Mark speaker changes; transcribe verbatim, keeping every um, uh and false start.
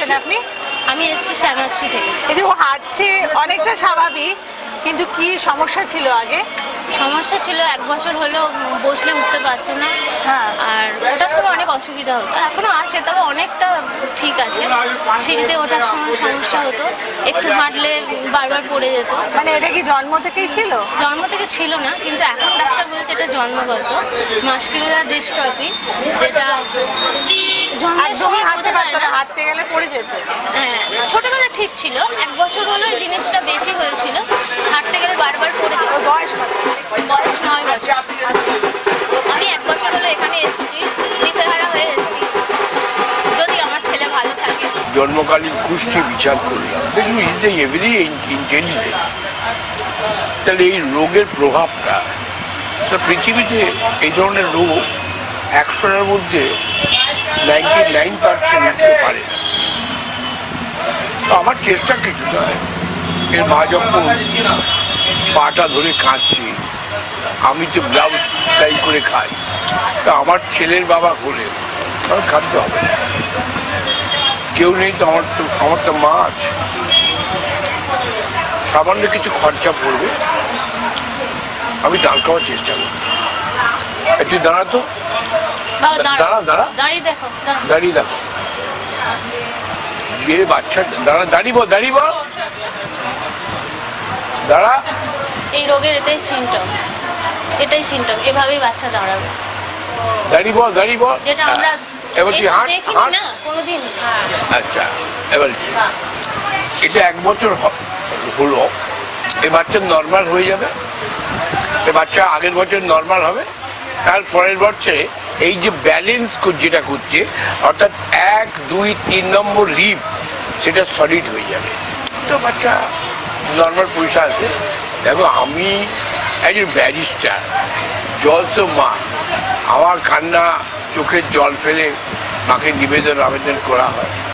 Speaker 1: এসেছেন আপনি?
Speaker 2: আমি এসেছি শ্যামাশ্রী থেকে।
Speaker 1: এই যে ও হাঁটছে অনেকটা স্বাভাবিক, কিন্তু কি সমস্যা ছিল আগে?
Speaker 2: সমস্যা ছিল, এক বছর হলো বসলে উঠতে পারতো না।
Speaker 1: হ্যাঁ।
Speaker 2: আর ওটার সময় অনেক অসুবিধা হতো, এখনো আছে, তবে অনেকটা ঠিক আছে। সিঁড়িতে ওঠার সময় সমস্যা হতো, একটু হাঁটলে বারবার পড়ে যেত।
Speaker 1: মানে এটা কি জন্ম থেকেই ছিল?
Speaker 2: জন্ম থেকে ছিল না, কিন্তু এখন ডাক্তার বলছে এটা জন্মগত মাসকুলার ডিস্ট্রফি, যেটা জন্মের
Speaker 1: একদমই
Speaker 2: সময়
Speaker 1: হাঁটতে
Speaker 2: বোঝা যায়
Speaker 1: পারতো না,
Speaker 2: না।
Speaker 1: হাঁটতে গেলে পড়ে যেত।
Speaker 2: হ্যাঁ, ছোটবেলা ঠিক ছিল, এক বছর হলো এই জিনিসটা বেশি হয়েছিল, হাঁটতে গেলে বারবার পড়ে যেত।
Speaker 1: ওর বয়স কত?
Speaker 2: বয়স নয় বছর। আমি এক বছর হলো এখানে এসেছি, দিশেহারা হয়ে এসেছি, যদি আমার ছেলে ভালো থাকে।
Speaker 3: জন্মকালীন কুষ্টি বিচার করলাম, দেখুন ইজ এ ভেরি ইন্টেলিজেন্ট। তাহলে এই রোগের প্রভাবটা পৃথিবীতে, এই ধরনের রোগ একশোটার মধ্যে নাইনটি নাইন পার্সেন্ট হতে পারে না। তো আমার চেষ্টা কিছু নয়, এর মা যখন পাটা ধরে কাঁদছি, আমি তো ব্লাউজ সেলাই করে খাই, তা আমার ছেলের বাবা হলে আমার কাঁদতে হবে না। কেউ নেই তো, আমার তো আমার তো মা আছে, সামান্য কিছু খরচা পড়বে, আমি দাঁড় করার চেষ্টা করছি। একটু দাঁড়াতো,
Speaker 2: বাবা, দাঁড়াও।
Speaker 3: দাঁড়া দাঁড়া
Speaker 2: দাঁড়িয়ে দেখো, দাঁড়াও।
Speaker 3: দাঁড়িয়ে দেখো, যে বাচ্চা দাঁড়া, দাঁড়িব দাঁড়িব দাঁড়া।
Speaker 2: এই রোগের এটাই সিমটম, এটাই সিমটম, এভাবেই বাচ্চা দাঁড়াবে,
Speaker 3: দাঁড়িব দাঁড়িব।
Speaker 2: যেটা আমরা
Speaker 3: এবার তুই
Speaker 2: এসে
Speaker 3: হাঁট
Speaker 2: দেখিনি
Speaker 3: হাঁট।
Speaker 2: না কোনোদিন।
Speaker 3: আচ্ছা, এবার এটা এক বছর হ- হলো, এ বাচ্চা নর্মাল হয়ে যাবে, এ বাচ্চা আগের বছর নর্মাল হবে, তার পরের বছরে এই যে ব্যালেন্স যেটা করছে, অর্থাৎ এক দুই তিন নম্বর রিব, সেটা সলিড হয়ে যাবে, তো বাচ্চা নর্মাল পয়সা আছে। দেখো, আমি একজন ব্যারিস্টার, জল তো মা, আমার কান্না চোখের জল ফেলে মাকে নিবেদন আবেদন করা হয়।